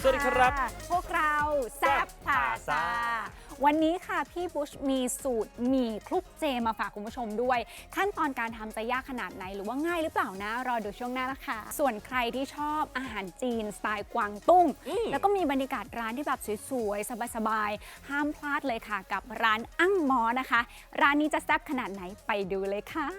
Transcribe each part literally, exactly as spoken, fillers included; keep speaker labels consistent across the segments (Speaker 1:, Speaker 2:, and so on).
Speaker 1: วัสดีครับ
Speaker 2: พวกเราแซ่บพาซาวันนี้ค่ะพี่บุชมีสูตรหมี่คลุกเจมาฝากคุณผู้ชมด้วย ขั้นตอนการทำจะยากขนาดไหนหรือว่าง่ายหรือเปล่านะรอดูช่วงหน้านะคะส่วนใครที่ชอบอาหารจีนสไตล์กวางตุ้งแล้วก็มีบรรยากาศร้านที่แบบสวยๆสบายๆห้ามพลาดเลยค่ะกับร้านอั่งมอนะคะ ร้านนี้จะแซ่บขนาดไหนไปดูเลยค่ะ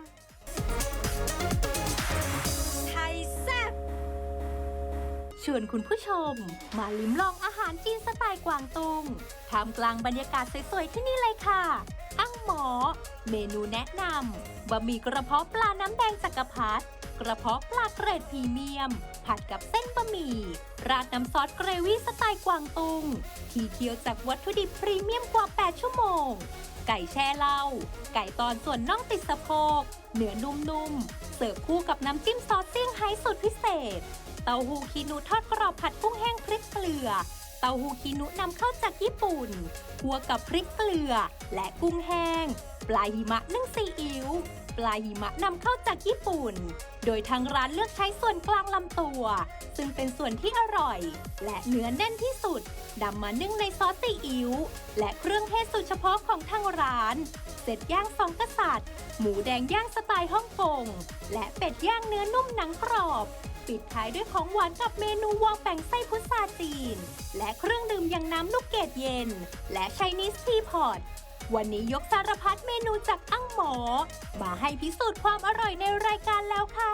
Speaker 3: ชวนคุณผู้ชมมาลิ้มลองอาหารจีนสไตล์กวางตุ้งท่ามกลางบรรยากาศสวยๆที่นี่เลยค่ะอั่งหมอเมนูแนะนำบะหมี่กระเพาะปลาน้ำแดงจักรพรรดิกระเพาะปลาเกรดพรีเมียมผัดกับเส้นบะหมี่ราดน้ำซอสเกรวี่สไตล์กวางตุ้งที่เคี่ยวจากวัตถุดิบพรีเมียมกว่าแปดชั่วโมงไก่แช่เหล้าไก่ตอนส่วนน่องติดสะโพกเนื้อนุ่มๆเสิร์ฟคู่กับน้ำจิ้มซอสเซี่ยงไฮ้สูตรพิเศษเต้าหู้คีนูทอดกรอบผัดกุ้งแห้งพริกเกลือเต้าหู้คีนูนำเข้าจากญี่ปุ่นคั่วกับพริกเกลือและกุ้งแห้งปลาหิมะนึ่งซีอิ๊วปลาหิมะนำเข้าจากญี่ปุ่นโดยทางร้านเลือกใช้ส่วนกลางลำตัวซึ่งเป็นส่วนที่อร่อยและเนื้อแน่นที่สุดนำมานึ่งในซอสซีอิ๊วและเครื่องเทศสูตรเฉพาะของทางร้านเสร็จย่างสองกษัตริย์หมูแดงย่างสไตล์ฮ่องกงและเป็ดย่างเนื้อนุ่มหนังกรอบปิดท้ายด้วยของหวานกับเมนูวองแป่งไส้พุทราจีนและเครื่องดื่มอย่างน้ำลูกเกดเย็นและไชนีสทีพอตวันนี้ยกสารพัดเมนูจากอั่งหมอมาให้พิสูจน์ความอร่อยในรายการแล้วค่ะ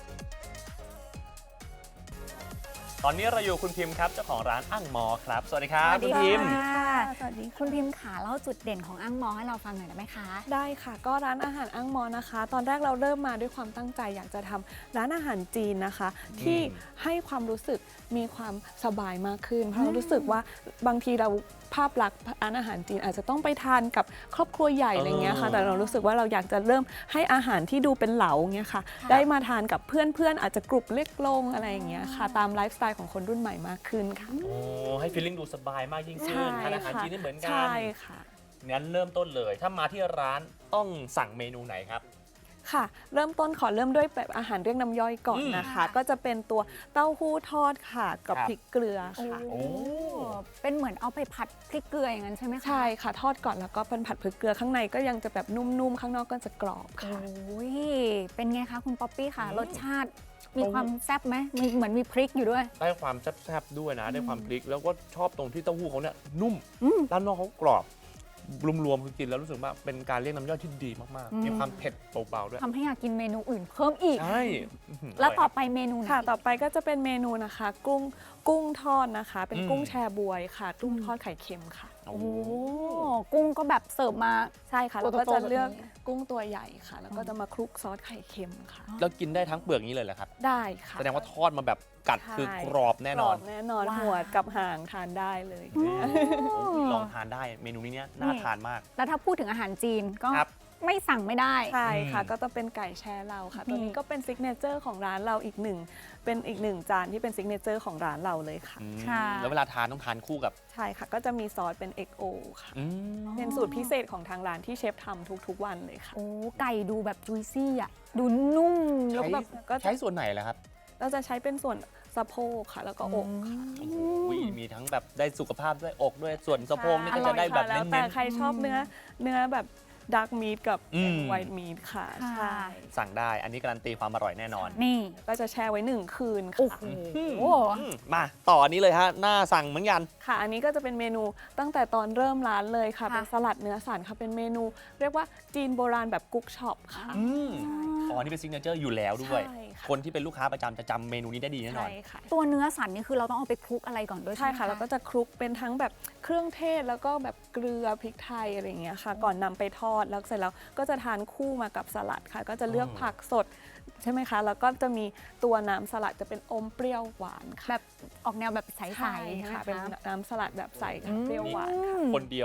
Speaker 1: ตอนนี้เราอยู่คุณพิมพ์ครับเจ้าของร้านอั่งมอครับสวัสดีครับคุณพิมพ์
Speaker 2: สวัสดีคุณพิมพ์ขาเล่าจุดเด่นของอั่งมอให้เราฟังหน่อยได้ไหมคะ
Speaker 4: ได้ค่ะก็ร้านอาหารอั่งมอนะคะตอนแรกเราเริ่มมาด้วยความตั้งใจอยากจะทำร้านอาหารจีนนะคะที่ให้ความรู้สึกมีความสบายมากขึ้นเพราะเรารู้สึกว่าบางทีเราภาพลักษณ์ร้านอาหารจีนอาจจะต้องไปทานกับครอบครัวใหญ่อะไรเงี้ยค่ะแต่เรารู้สึกว่าเราอยากจะเริ่มให้อาหารที่ดูเป็นเหลาเงี้ยค่ะได้มาทานกับเพื่อนๆอาจจะกลุ่มเล็กลงอะไรอย่างเงี้ยค่ะตามไลฟ์สไตล์ของคนรุ่นใหม่มากขึ้นค่ะ
Speaker 1: โอ้ให้ฟีลลิ่งดูสบายมากยิ่งขึ้นทานอาหารจีนนี่เหมือนกัน
Speaker 4: ใช่ค่ะ
Speaker 1: งั้นเริ่มต้นเลยถ้ามาที่ร้านต้องสั่งเมนูไหนครับ
Speaker 4: ค่ะเริ่มต้นขอเริ่มด้วยแบบอาหารเรียกน้ำย่อยก่อนนะคะก็จะเป็นตัวเต้าหู้ทอดค่ะกับพริกเกลือค่ะ
Speaker 2: โอ้เป็นเหมือนเอาไปผัดพริกเกลืออย่างนั้นใช่ไหมคะ
Speaker 4: ใช่ค่ะทอดก่อนแล้วก็เป็นผัดพริกเกลือข้างในก็ยังจะแบบนุ่มๆข้างนอกก็จะกรอบค่ะ
Speaker 2: โอ้ยเป็นไงคะคุณป๊อปปี้ค่ะรสชาติมีความแซ่บไหมมีเหมือนมีพริกอยู่ด้วย
Speaker 1: ได้ความแซ่บๆด้วยนะได้ความพริกแล้วก็ชอบตรงที่เต้าหู้เขาเนี่ยนุ่มด้านนอกเขากรอบรวมๆคือกินแล้วรู้สึกว่าเป็นการเรียกน้ำย่อยที่ดีมากๆมีความเผ็ดเบาๆด้วย
Speaker 2: ทำให้อยากกินเมนูอื่นเพิ่มอีก
Speaker 1: ใช่
Speaker 2: แล้วต่อไปเมนู
Speaker 4: ค่ะต่อไปก็จะเป็นเมนูนะคะกุ้งกุ้งทอดนะคะเป็นกุ้งแชบวยค่ะกุ้งทอดไข่เค็มค่ะ
Speaker 2: โอ้กุ้งก็แบบเสิร์ฟมา
Speaker 4: ใช่ค่ะเราก็จะเลือกกุ้งตัวใหญ่ค่ะแล้วก็จะมาคลุกซอสไข่เค็มค่ะ
Speaker 1: แล้วกินได้ทั้งเปลือกนี้เลยเหรอครับ
Speaker 4: ได้ค่ะ
Speaker 1: แสดงว่าทอดมาแบบกัดคือกรอบแน่นอน
Speaker 4: แน่นอนหัวกับหางทานได้เลย
Speaker 1: ลองทานได้เมนูนี้เนี่ยน่าทานมาก
Speaker 2: แล้วถ้าพูดถึงอาหารจีนก็ไม่สั่งไม่ได้
Speaker 4: ใช่ค่ะก็จะเป็นไก่แช่เราค่ะตัวนี้ก็เป็นซิกเนเจอร์ของร้านเราอีกหนึ่งเป็นอีกหนึ่งจานที่เป็นซิกเนเจอร์ของร้านเราเลยค่ะ
Speaker 1: แล้วเวลาทานต้องทานคู่กับ
Speaker 4: ใช่ค่ะก็จะมีซอสเป็น เอ็ก โอ ค่ะเป็นสูตรพิเศษของทางร้านที่เชฟทำทุกๆวันเลยค่ะ
Speaker 2: โอ้ไก่ดูแบบจุยซี่อ่ะดูนุ่ม
Speaker 1: แล้วแบบใช้ส่วนไหนล่ะครับ
Speaker 4: เราจะใช้เป็นส่วนสะโพกค่ะแล้วก็อกค่ะ
Speaker 1: มีทั้งแบบได้สุขภาพด้วยอกด้วยส่วนสะโพกนี่ก็จะได้แบบเน้นๆ
Speaker 4: แต่ใครชอบเนื้อเนื้อแบบดาร์กมีทกับไวท์มีทค่ะใช่
Speaker 1: สั่งได้อันนี้การันตีความอร่อยแน่นอน
Speaker 2: นี่
Speaker 4: ก็จะแช่ไว้หนึ่งคืน
Speaker 2: ค่ะ
Speaker 4: โอ้
Speaker 1: มาต่ออันนี้เลยฮะน่าสั่งเหมือนกัน
Speaker 4: ค่ะอันนี้ก็จะเป็นเมนูตั้งแต่ตอนเริ่มร้านเลยค่ะเป็นสลัดเนื้อสันค่ะเป็นเมนูเรียกว่าจีนโบราณแบบกุ๊กช็อปค่ะ
Speaker 1: อ๋อนี่เป็นซิกเนเจอร์อยู่แล้วด้วยคนที่เป็นลูกค้าประจำจะจำเมนูนี้ได้ดีแน่นอน
Speaker 2: ตัวเนื้อสันนี่คือเราต้องเอาไปคลุกอะไรก่อนด้วย
Speaker 4: ใช่ค่ะแล้วก็จะคลุกเป็นทั้งแบบเครื่องเทศแล้วก็แบบเกลือพริกไทยอะไรอย่างเงี้ยค่ะก่อนนำไปทอดแล้วเสร็จแล้วก็จะทานคู่มากับสลัดค่ะก็จะเลือกผักสดใช่ไหมคะแล้วก็จะมีตัวน้ำสลัดจะเป็นอมเปรี้ยวหวานค่ะ
Speaker 2: แบบออกแนวแบบใสๆ
Speaker 4: ค่ะเป็นน้ำสลัดแบบใสเปรี้ยวหวานค่ะ
Speaker 1: คนเดียว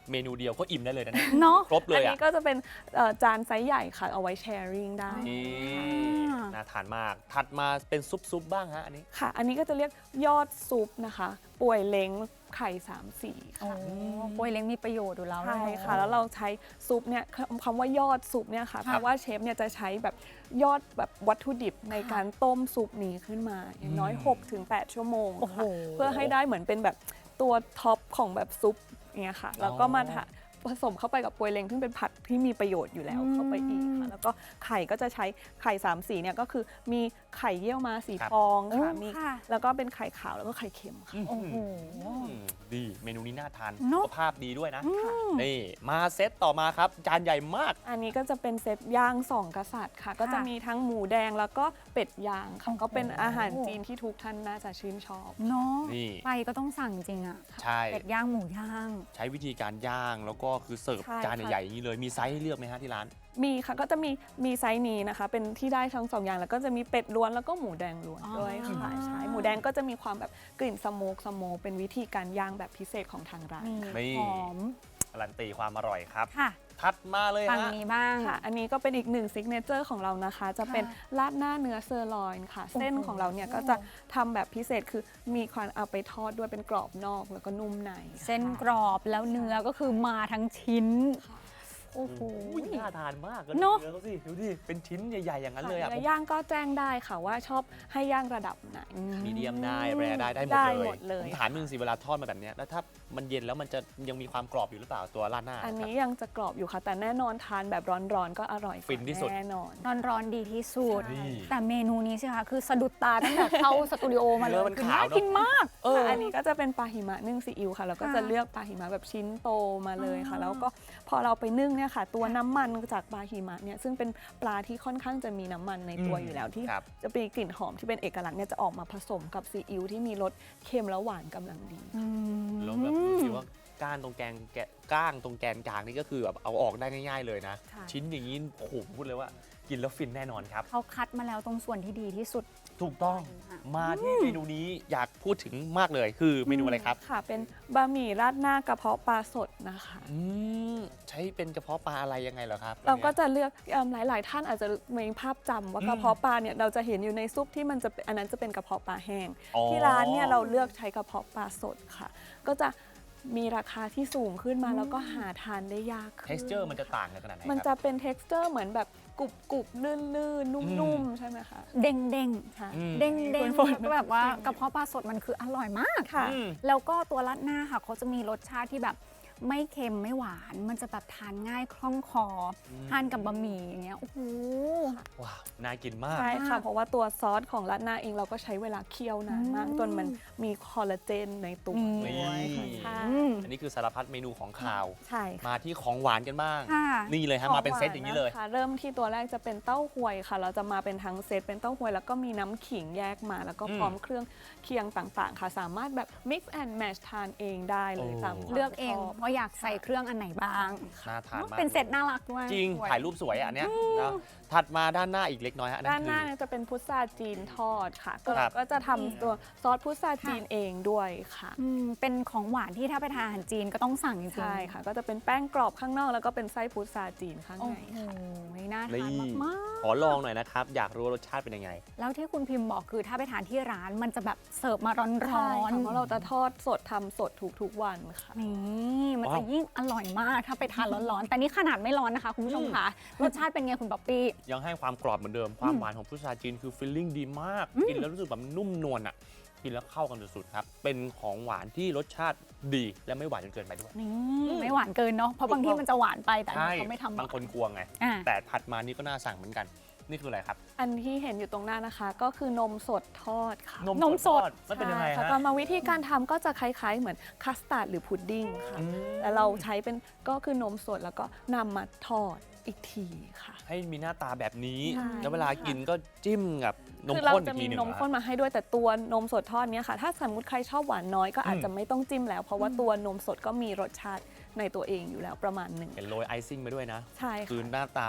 Speaker 1: เมนูเดียวก็อิ่มได้เลยนะเนี่ย
Speaker 2: เนาะ
Speaker 1: ครบเล
Speaker 4: อัน
Speaker 1: ย
Speaker 4: นี้
Speaker 1: อ่ะ
Speaker 4: ก็จะเป็นเอ่อจานไซส์ใหญ่ค่ะ เอาไว้แชร์ริงได้
Speaker 1: นี่
Speaker 2: อ่า
Speaker 1: น่าทานมาก ถัดมาเป็นซุปซุปบ้างฮะอันนี้
Speaker 4: ค่ะ อันนี้ก็จะเรียกยอดซุปนะคะ ป่วยเล้งไข่สามสี
Speaker 2: โอ้
Speaker 4: ค่ะ
Speaker 2: โปยเล้งมีประโยชน์อยู่แล้ว
Speaker 4: ใช่
Speaker 2: เนอ
Speaker 4: ค่ะ แล้วเราใช้ซุปเนี่ยคำคำว่ายอดซุปเนี่ยค่ะ เพราะว่าเชฟเนี่ยจะใช้แบบยอดแบบวัตถุดิบในการต้มซุปนี้ขึ้นมา อย่างน้อย
Speaker 1: อืม
Speaker 4: หกถึงแปด ชั่วโมง
Speaker 2: โอ้โห
Speaker 4: ค่ะ เพื่อให้ได้เหมือนเป็นแบบตัวท็อปของแบบซุปอย่างเงี้ยค่ะ แล้วก็มาทะผสมเข้าไปกับปวยเล้งซึ่งเป็นผักที่มีประโยชน์อยู่แล้วเข้าไปอีกค่ะ แล้วก็ไข่ก็จะใช้ไข่สามสีเนี่ยก็คือมีไข่เยี่ยวมาสี
Speaker 1: ครับ
Speaker 4: ฟองค่ะ
Speaker 2: โอ้
Speaker 4: มี
Speaker 2: ค่ะ
Speaker 4: แล้วก็เป็นไข่ขาวแล้วก็ไข่เค็มค่ะ
Speaker 2: โอ้โห
Speaker 1: อืมดีเมนูนี้น่าทาน
Speaker 2: เน
Speaker 1: สุ
Speaker 2: อะ
Speaker 1: ขภาพดีด้วยนะ นี่มาเซตต่อมาครับ จานใหญ่มาก
Speaker 4: อันนี้ก็จะเป็นเซตย่างสองกษัตริย์ค่ะ ก็จะมีทั้งหมูแดงแล้วก็เป็ดย่างค่ะ
Speaker 2: โอ้โห
Speaker 4: ก็เป็นอาหารจีนที่ทุกท่านน่าจะชื่นชอบ
Speaker 2: เนาะ
Speaker 1: นี่
Speaker 2: ไปก็ต้องสั่งจริงอะ
Speaker 1: ใช่
Speaker 2: เป็ดย่างหมูย่าง
Speaker 1: ใช้วิธีการย่างแล้วก็คือเสิร์ฟ
Speaker 4: ใช่
Speaker 1: จาน
Speaker 4: ค่ะ
Speaker 1: ใหญ่ๆอย่างนี้เลย มีไซส์ให้เลือกไหมฮะที่ร้าน
Speaker 4: มีค่ะก็จะมีมีไซส์นี้นะคะ เป็นที่ได้ทั้งสองอย่างแล้วก็จะมีเป็ดล้วนแล้วก็หมูแดงล้วน
Speaker 2: อ๋อ
Speaker 4: ด้วยค่ะใช่หมูแดงก็จะมีความแบบกลิ่นสโมกสโมกเป็นวิธีการย่างแบบพิเศษของทางร้าน
Speaker 2: นี่
Speaker 1: นี่
Speaker 2: หอม
Speaker 1: การันตีความอร่อยครับ
Speaker 2: ค่ะ
Speaker 1: ถัดมาเลย
Speaker 2: ฝั่ง
Speaker 1: ฮะ
Speaker 2: นี้บ้าง
Speaker 4: ค่ะ อันนี้ก็เป็นอีกหนึ่งซิกเนเจอร์ของเรานะคะ จะเป็นราดหน้าเนื้อเซอร์ลอยน์ค่ะ
Speaker 2: โอ้โห
Speaker 4: เส้นของเราเนี่ยก็จะทำแบบพิเศษคือมีความเอาไปทอดด้วยเป็นกรอบนอกแล้วก็นุ่มในค่ะ
Speaker 2: เส้นกรอบแล้วเนื้อก็คือมาทั้งชิ้น
Speaker 4: ค่ะ
Speaker 2: โอ้โห
Speaker 1: อุ้ยน่าทานมากเลย
Speaker 2: เนอะ
Speaker 1: เนื้อเขาสิดูดิเป็นชิ้นใหญ่ๆอย่างนั้นเลยอ่ะ
Speaker 4: เนื้อย่างก็แจ้งได้ค่ะว่าชอบให้ย่างระดับไหน
Speaker 1: มีเดียมได้แรได้ได้หมด
Speaker 4: ได้
Speaker 1: เลย
Speaker 4: หมดเลย
Speaker 1: ผมถามหนึ่งสิเวลาทอดมาแบบเนี้ยแล้วถ้ามันเย็นแล้วมันจะยังมีความกรอบอยู่หรือเปล่าตัวราดหน้า
Speaker 4: อันนี้
Speaker 1: ครับ
Speaker 4: ยังจะกรอบอยู่ค่ะ แต่แน่นอนทานแบบร้อนๆก็อร่อยกว่า
Speaker 1: ฟินที่สุด
Speaker 4: แน่นอน
Speaker 2: ร้อนๆดีที่สุด
Speaker 1: นี่
Speaker 2: แต่เมนูนี้ใช่ไหมคะคือสะดุดตาตั้งแต่เข้าสตูดิโอมาเล
Speaker 1: เนื้
Speaker 2: ย
Speaker 1: อมัน
Speaker 2: คือ
Speaker 1: ขาว
Speaker 2: น่า
Speaker 1: เนอะ
Speaker 2: กินมาก
Speaker 1: เออ
Speaker 4: อันนี้ก็จะเป็นปลาหิมะนึ่งซีอิ๊วค่ะ แล้วก็
Speaker 2: ค่ะ
Speaker 4: จะเลือกปลาหิมะแบบชิ้นโตมาเลยค่ะ
Speaker 2: อ๋อ
Speaker 4: แล้วก็พอเราไปนึ่งเนี่ยค่ะ ตัวน้ำมันจากปลาหิมะเนี่ยซึ่งเป็นปลาที่ค่อนข้างจะมีน้ำมันในตัว
Speaker 1: อืม
Speaker 4: อยู่แล้วที่
Speaker 1: ครับ
Speaker 4: จะมีกลิ่นหอมที่เป็นเอกลักษณ์เนี่ยจะออกมาผสมกับซีอิ๊วที่มีรสเค็มและหวานกำลังดี
Speaker 2: อืม
Speaker 1: แล้วแบบดูสิว่าก้านตรงแกนแกะก้างตรงแกนกลางนี่ก็คือแบบเอาออกได้ง่ายๆเลยนะ
Speaker 4: ใช่
Speaker 1: ชิ้นอย่างนี้โอ้โหพูดเลยว่ากินแล้วฟินแน่นอนครับ
Speaker 2: เขาคัดมาแล้วตรงส่วนที่ดีที่สุด
Speaker 1: ถูกต้อง
Speaker 2: ค่ะ
Speaker 1: มาที่เมนูนี้อยากพูดถึงมากเลยคือเมนูอะไรครับ
Speaker 4: ค่ะ เป็นบะหมี่ราดหน้ากระเพาะปลาสดนะคะ
Speaker 1: อืมใช้เป็นกระเพาะปลาอะไรยังไงเหรอครับ
Speaker 4: เราก็
Speaker 1: อันนี้ย
Speaker 4: จะเลือกเอิ่มหลาย ๆ ท่านอาจจะมีภาพจำว่า
Speaker 1: อืม
Speaker 4: กระเพาะปลาเนี่ยเราจะเห็นอยู่ในซุปที่มันจะเป็นอันนั้นจะเป็นกระเพาะปลาแห้ง
Speaker 1: อ๋อ
Speaker 4: ที่ร้านเนี่ยเราเลือกใช้กระเพาะปลาสดค่ะ ก็จะมีราคาที่สูงขึ้นมาแล้วก็หาทานได้ยากขึ้น
Speaker 1: texture มันจะต่างกันขนาดไหน
Speaker 4: มัน
Speaker 1: ค
Speaker 4: จะ
Speaker 1: รับ
Speaker 4: เป็น texture เหมือนแบบกรุบกรุบๆลื่นลื่นๆนุ่ม ๆ ใช่ไหมคะ
Speaker 2: เด้งเด้ง
Speaker 4: ใช่
Speaker 1: อืม
Speaker 2: เด้งเด้ง
Speaker 4: ฝนๆ
Speaker 2: ก็แบบว่ากระเพาะปลาสดมันคืออร่อยมาก
Speaker 4: ค่ะ
Speaker 1: อืม
Speaker 2: แล้วก็ตัวราดหน้าค่ะเขาจะมีรสชาติที่แบบไม่เค็มไม่หวาน มันจะแบบทานง่ายคล่องคออ
Speaker 1: ม
Speaker 2: ทานกับบะหมี่อย่างเงี้ยโอ้โห
Speaker 1: ว้าว น่ากินมาก
Speaker 4: ใช่ค่ะ
Speaker 2: มาก
Speaker 4: เพราะว่าตัวซอสของราดหน้าเองเราก็ใช้เวลาเคี่ยวนานมาก
Speaker 2: อืม
Speaker 4: จนมันมีคอลลาเจนในตัว
Speaker 2: อืม
Speaker 4: ด้วยค่ะ
Speaker 1: นี่
Speaker 4: ใช่
Speaker 2: อืม
Speaker 1: อันนี้คือสารพัดเมนูของข่าว
Speaker 4: ใช่ค่ะ
Speaker 1: มาที่ของหวานกันบ้าง
Speaker 2: ค่ะ
Speaker 1: นี่เลยฮะ มาเป็นเซตอย่างนี้เลย
Speaker 4: ขหวะคะเริ่มที่ตัวแรกจะเป็นเต้าหวยค่ะ เราจะมาเป็นทั้งเซตเป็นเต้าหวยแล้วก็มีน้ำขิงแยกมา แล้วก็
Speaker 1: อืม
Speaker 4: พร้อมเครื่องเคียงต่างๆ ค่ะ สามารถแบบ mix and match ทานเองได้เลย
Speaker 1: โอ้
Speaker 4: ตามความ
Speaker 2: เลือกเอง
Speaker 4: ชบ
Speaker 2: ว่าอยากใส่เครื่องอันไหนบ้าง
Speaker 1: น่าทานมาก
Speaker 2: เป็นเซตน่ารักด้วย
Speaker 1: จริง
Speaker 2: สว
Speaker 1: ถ่ายรูปสวยอ่ะอันเนี้ยนะถัดมาด้านหน้าอีกเล็กน้อยฮะ
Speaker 4: ด้านหน้า
Speaker 1: คือ
Speaker 4: เนี่ยจะเป็นพุทราจีนทอดค่ะ ก็
Speaker 1: ครับ
Speaker 4: ก็จะทำตัวซอสพุทราจีนเองด้วยค่ะ
Speaker 2: อืมเป็นของหวานที่ถ้าไปทานอาหารจีนก็ต้องสั่งจริงๆ
Speaker 4: ใช่ค่ะ ก็จะเป็นแป้งกรอบข้างนอก แล้วก็เป็นไส้พุทราจีนข้าง
Speaker 2: โอ้
Speaker 4: ใน
Speaker 2: โห
Speaker 4: ค่ะ
Speaker 2: น่าทาน
Speaker 1: นี่
Speaker 2: มาก
Speaker 1: ขอลองหน่อยนะครับ อยากรู้ว่ารสชาติเป็นยังไง
Speaker 2: ๆแล้วที่คุณพิมพ์บอกคือถ้าไปทานที่ร้านมันจะแบบเสิร์ฟมาร้อน
Speaker 4: ใช่
Speaker 2: ๆ
Speaker 4: ค่ะเพราะเราจะทอดสดทำสดทุกๆวันค่ะ
Speaker 2: นี่มัน
Speaker 1: ว้า
Speaker 2: จะ
Speaker 1: ว
Speaker 2: ยิ่งอร่อยมากถ้าไปทานร้อนๆ แต่นี่ขนาดไม่ร้อนนะคะ คุณผู้ชมคะรสชาติเป็นไงคุณป๊อปปี้
Speaker 1: ยังให้ความกรอบเหมือนเดิม ความหวานของพุทราจีนคือฟิลลิ่งดีมาก กินแล้วรู้สึกแบบนุ่มนวลอ่ะ กินแล้วเข้ากันสุดๆครับ เป็นของหวานที่รสชาติดีและไม่หวานจนเกินไปด้วย
Speaker 2: นี่ไม่หวานเกินเนาะเพราะบางที่มันจะหวานไปแต่อัน
Speaker 1: ใช่
Speaker 2: นี้เขาไม่ทำหว
Speaker 1: บางคนกลัวไง
Speaker 2: อ่ะ
Speaker 1: แต่ถัดมานี่ก็น่าสั่งเหมือนกัน นี่คืออะไรครับ
Speaker 4: อันที่เห็นอยู่ตรงหน้านะคะ ก็คือนมสดทอดค่ะ
Speaker 2: นมสด
Speaker 1: ทอมันเป็นยังไง
Speaker 4: ใช่ค่ะ
Speaker 1: ฮะ
Speaker 4: กรรมวิธีการทำก็จะคล้ายๆ เหมือนคัสตาร์ดหรือพุดดิ้งค่ะ
Speaker 1: อืม
Speaker 4: แต่เราใช้เป็นก็คือนมสดแล้วก็นำมาทอดอีกทีค่ะ
Speaker 1: ให้มีหน้าตาแบบนี้
Speaker 4: ใช่
Speaker 1: แล้วเวลากินก็จิ้มกับนม
Speaker 4: คือเรา
Speaker 1: ข้นอี
Speaker 4: จะ
Speaker 1: ก
Speaker 4: มี
Speaker 1: ทีหนึ่ง
Speaker 4: นมข้นมาให้ด้วยแต่ตัวนมสดทอดเนี้ยค่ะ ถ้าสมมติใครชอบหวานน้อยก็อาจจะไม่ต้องจิ้มแล้ว เพราะว่าตัวนมสดก็มีรสชาติในตัวเองอยู่แล้วประมาณหนึ่ง
Speaker 1: เห็นโรยไอซิ่งมาด้วยนะ
Speaker 4: ใช่
Speaker 1: คือ
Speaker 4: ค่ะ
Speaker 1: หน้าตาแบบ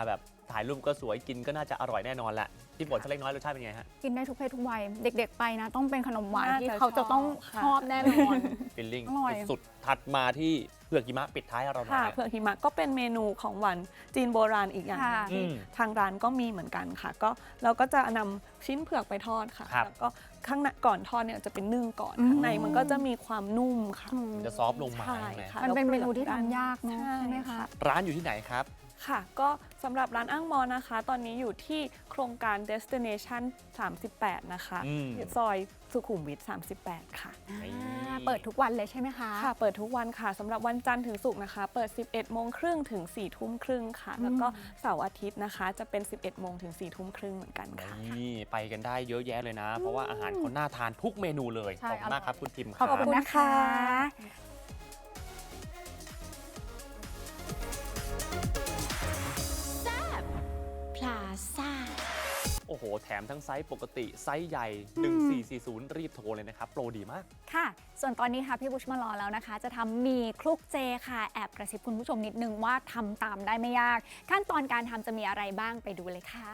Speaker 1: ถ่ายรูปก็สวยกินก็น่าจะอร่อยแน่นอนแหละพี่ฝนสักเล็กน้อยรสชาติเป็นไงฮะ
Speaker 2: กินได้ทุกเพศทุกวัยเด็กๆไปนะ ต้องเป็นขนมหวาน
Speaker 4: น่า
Speaker 2: ที่
Speaker 4: จะ
Speaker 2: เขาจะต้อง
Speaker 4: ชอบค่ะ
Speaker 2: ชอบแน่นอน
Speaker 1: ฟิลลิ่ง
Speaker 2: อร่อย
Speaker 1: สุดๆถัดมาที่เผือกหิมะปิดท้ายให้เราหน่
Speaker 4: ค่ะ
Speaker 1: อย
Speaker 4: เผือกหิมะก็เป็นเมนูของหวานจีนโบราณอีกอย่างหนึ่ง
Speaker 2: ค่ะ
Speaker 4: ที่
Speaker 1: อืม
Speaker 4: ทางร้านก็มีเหมือนกันค่ะ ก็เราก็จะนำชิ้นเผือกไปทอดค่ะ
Speaker 1: ครับ
Speaker 4: แล้วก็ข้างในก่อนทอดเนี่ยจะเป็นนึ่งก่อน
Speaker 2: อืม
Speaker 4: ข้างในมันก็จะมีความนุ่มค่ะ
Speaker 2: อืม
Speaker 1: มันจะซอฟต์ลงมา
Speaker 4: ใช่
Speaker 1: ใช่ไหม
Speaker 4: ค่ะ
Speaker 2: มันเป็นเมนูที่ทำยากเนอะ
Speaker 4: ใช่
Speaker 2: ใช่ไหมคะ
Speaker 1: ร้านอยู่ที่ไหนครับ
Speaker 4: ค่ะ ก็สำหรับร้านอ้างมอนะคะ ตอนนี้อยู่ที่โครงการ Destination สามสิบแปด นะคะ
Speaker 1: อืม
Speaker 4: ซอยสุขุมวิท สามสิบแปด ค่ะ
Speaker 1: นี่
Speaker 2: อ่าเปิดทุกวันเลยใช่ไหมคะ
Speaker 4: ค่ะ เปิดทุกวันค่ะสำหรับวันจันทร์ถึงศุกร์นะคะ เปิด สิบเอ็ดโมงครึ่งถึง สี่ทุ่มครึ่งค่ะ แล้วก็เสาร์อาทิตย์นะคะ จะเป็น สิบเอ็ดโมงถึง สี่ทุ่มครึ่งเหมือนกันค่ะ
Speaker 1: นี่ไปกันได้เยอะแยะเลยนะ เพราะว่าอาหารเขาน่าทานทุกเมนูเลย
Speaker 2: ใช่
Speaker 1: ขอบคุณมากครับคุณทิมค
Speaker 2: ข
Speaker 1: รั
Speaker 2: อบคุณนะคะ
Speaker 3: พลาซ่า
Speaker 1: โอ้โห แถมทั้งไซส์ปกติไซส์ใหญ่หนึ่งสี่สี่ศูนย์รีบโทรเลยนะครับโปรดีมาก
Speaker 2: ค่ะ ส่วนตอนนี้ค่ะพี่บุชมารอแล้วนะคะ จะทำหมี่คลุกเจค่ะ แอบกระซิบคุณผู้ชมนิดนึงว่าทำตามได้ไม่ยาก ขั้นตอนการทำจะมีอะไรบ้างไปดูเลยค่ะ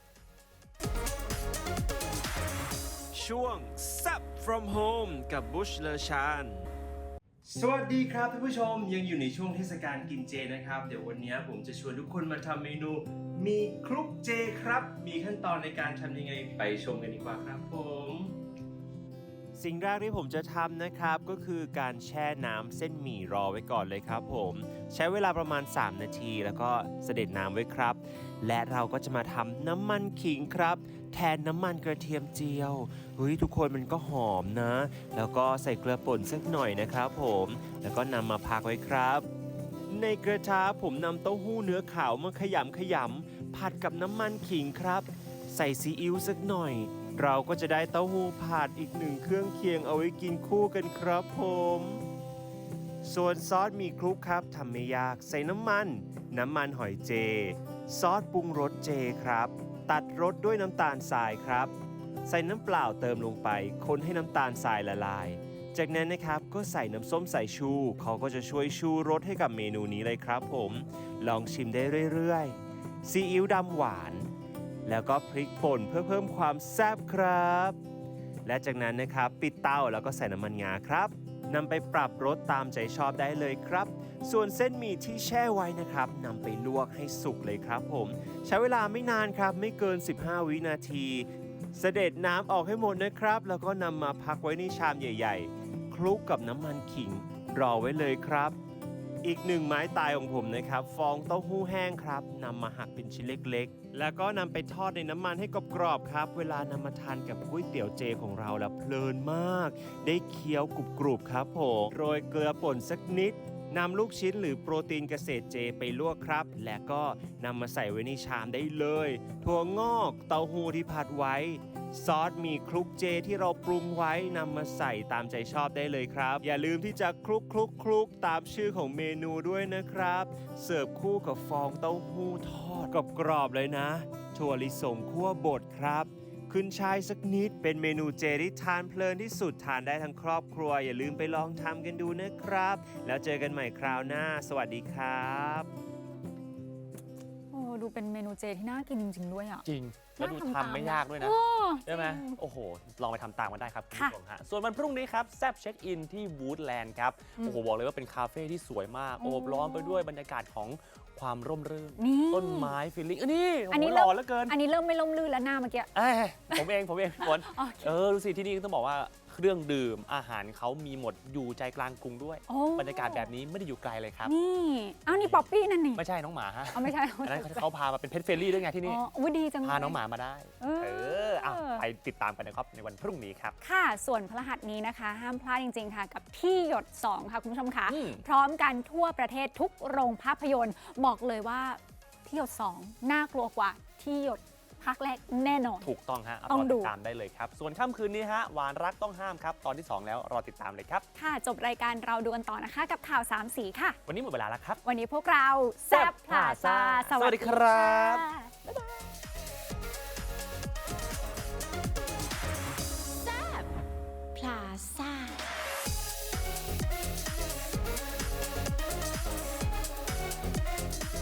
Speaker 5: ช่วง Sup from Home กับบุชเลอชานสวัสดีครับท่านผู้ชมยังอยู่ในช่วงเทศกาลกินเจนะครับ เดี๋ยววันนี้ผมจะชวนทุกคนมาทำเมนูมีคลุกเจครับ มีขั้นตอนในการทำยังไงไปชมกันดีกว่าครับผม สิ่งแรกที่ผมจะทำนะครับก็คือการแช่น้ำเส้นหมี่รอไว้ก่อนเลยครับผมใช้เวลาประมาณสามนาทีแล้วก็เสด็จน้ำไว้ครับ และเราก็จะมาทำน้ำมันขิงครับ แทนน้ำมันกระเทียมเจียวเฮ้ยทุกคนมันก็หอมนะ แล้วก็ใส่เกลือป่นสักหน่อยนะครับผมแล้วก็นำมาพักไว้ครับ ในกระทะผมนำเต้าหู้เนื้อขาวมาขยำขยำผัดกับน้ำมันขิงครับ ใส่ซีอิ๊วสักหน่อย เราก็จะได้เต้าหู้ผัดอีกหนึ่งเครื่องเคียงเอาไว้กินคู่กันครับผม ส่วนซอสหมี่คลุกครับทำไม่ยากใส่น้ำมัน น้ำมันหอยเจ ซอสปรุงรสเจครับ ตัดรสด้วยน้ำตาลทรายครับ ใส่น้ำเปล่าเติมลงไป คนให้น้ำตาลทรายละลาย จากนั้นนะครับก็ใส่น้ำส้มสายชูเขาก็จะช่วยชูรสให้กับเมนูนี้เลยครับผม ลองชิมได้เรื่อยๆซีอิ๊วดำหวาน แล้วก็พริกป่นเพื่อเพิ่มความแซ่บครับ และจากนั้นนะครับปิดเตาแล้วก็ใส่น้ำมันงาครับนำไปปรับรสตามใจชอบได้เลยครับ ส่วนเส้นหมี่ที่แช่ไว้นะครับนำไปลวกให้สุกเลยครับผม ใช้เวลาไม่นานครับไม่เกิน สิบห้า วินาที เสด็จน้ำออกให้หมดนะครับ แล้วก็นำมาพักไว้ในชามใหญ่ๆ คลุกกับน้ำมันขิงรอไว้เลยครับ อีกหนึ่งไม้ตายของผมนะครับ ฟองเต้าหู้แห้งครับนำมาหักเป็นชิ้นเล็กๆ แล้วก็นำไปทอดในน้ำมันให้กรอบๆครับ เวลานำมาทานกับก๋วยเตี๋ยวเจของเราแล้วเพลินมาก ได้เคี้ยวกรุบๆครับผมโรยเกลือป่นสักนิดนำลูกชิ้นหรือโปรตีนเกษตรเจไปลวกครับ และก็นำมาใส่ไว้ในชามได้เลย ถั่วงอกเต้าหู้ที่ผัดไว้ ซอสหมี่คลุกเจที่เราปรุงไว้นำมาใส่ตามใจชอบได้เลยครับ อย่าลืมที่จะคลุกคลุกคลุกตามชื่อของเมนูด้วยนะครับ เสิร์ฟคู่กับฟองเต้าหู้ทอดกรอบๆเลยนะ ถั่วลิสงคั่วบดครับ ขึ้นช่ายสักนิดเป็นเมนูเจที่ทานเพลินที่สุดทานได้ทั้งครอบครัว อย่าลืมไปลองทำกันดูนะครับ แล้วเจอกันใหม่คราวหน้า สวัสดีครับ
Speaker 2: โอ้ดูเป็นเมนูเจที่น่ากินจริง ๆ ด้วยอ่ะ
Speaker 1: จริง แล้วดูทำไม่ยากด้วยนะ
Speaker 2: โอ้
Speaker 1: ใช่ไหม
Speaker 2: จริง
Speaker 1: โอ้โห ลองไปทำตามกันได้ครับคุณ
Speaker 2: ค่ะ
Speaker 1: ผู้ชมฮะส่วนวันพรุ่งนี้ครับแซบเช็คอินที่วูดแลนด์ครับ
Speaker 2: อืม
Speaker 1: โอ้โห บอกเลยว่าเป็นคาเฟ่ที่สวยมาก
Speaker 2: โอ้
Speaker 1: โอบล้อมไปด้วยบรรยากาศของความร่มรื่น
Speaker 2: นี่
Speaker 1: ต้นไม้ฟิลลิ่งเอ้ยนี่โอ้
Speaker 2: อัน
Speaker 1: โห
Speaker 2: นี้
Speaker 1: ห
Speaker 2: เริ่
Speaker 1: ล่
Speaker 2: ม
Speaker 1: อเหลือเกิน
Speaker 2: อันนี้เริ่มไม่ล่มลื่นแล้วหน้าเมื่อกี้
Speaker 1: เอ้ยผมเอง ผมเองพี่ฝน
Speaker 2: โอเค
Speaker 1: เออ ดูสิที่นี่ต้องบอกว่าเครื่องดื่มอาหารเขามีหมดอยู่ใจกลางกรุงด้วย
Speaker 2: โอ้
Speaker 1: บรรยากาศแบบนี้ไม่ได้อยู่ไกลเลยครับ
Speaker 2: นี่เอ้านี่ป๊อปปี้นั่นนี่
Speaker 1: ไม่ใช่น้องหมาฮะ
Speaker 2: เอาไม่ใช่
Speaker 1: อันนั้นเขาพามาเป็นเพ t เฟรนลี่ด้วยไงที่นี่
Speaker 2: อ๋ออุ๊ยดีจังเลย
Speaker 1: พาน้องหมามาได้
Speaker 2: เออ
Speaker 1: เอออ่ะไปติดตามกันนะครับในวันพรุ่งนี้ครับ
Speaker 2: ค่ะ ส่วนพฤหัสนี้นะคะ ห้ามพลาดจริง ๆ ค่ะ กับที่หยด สอง ค่ะ คุณผู้ชมค่ะ
Speaker 1: อืม
Speaker 2: พร้อมกันทั่วประเทศทุกโรงภาพยนตร์ บอกเลยว่าที่หยด สอง น่ากลัวกว่าที่หยดภาคแรกแน่นอน
Speaker 1: ถูกต้องฮะ
Speaker 2: ต้อง
Speaker 1: รอ
Speaker 2: ดู
Speaker 1: ติดตามได้เลยครับ ส่วนค่ำคืนนี้ฮะหวานรักต้องห้ามครับ ตอนที่ สอง แล้วรอติดตามเลยครับ
Speaker 2: ค่ะ จบรายการเราดูกันต่อนะคะ กับข่าวสามสีค่ะ
Speaker 1: วันนี้หมดเวลาแล้วครับ
Speaker 2: วันนี้พวกเราแซ่บพลาซา
Speaker 1: สวัสดีครับ
Speaker 2: ค่ะ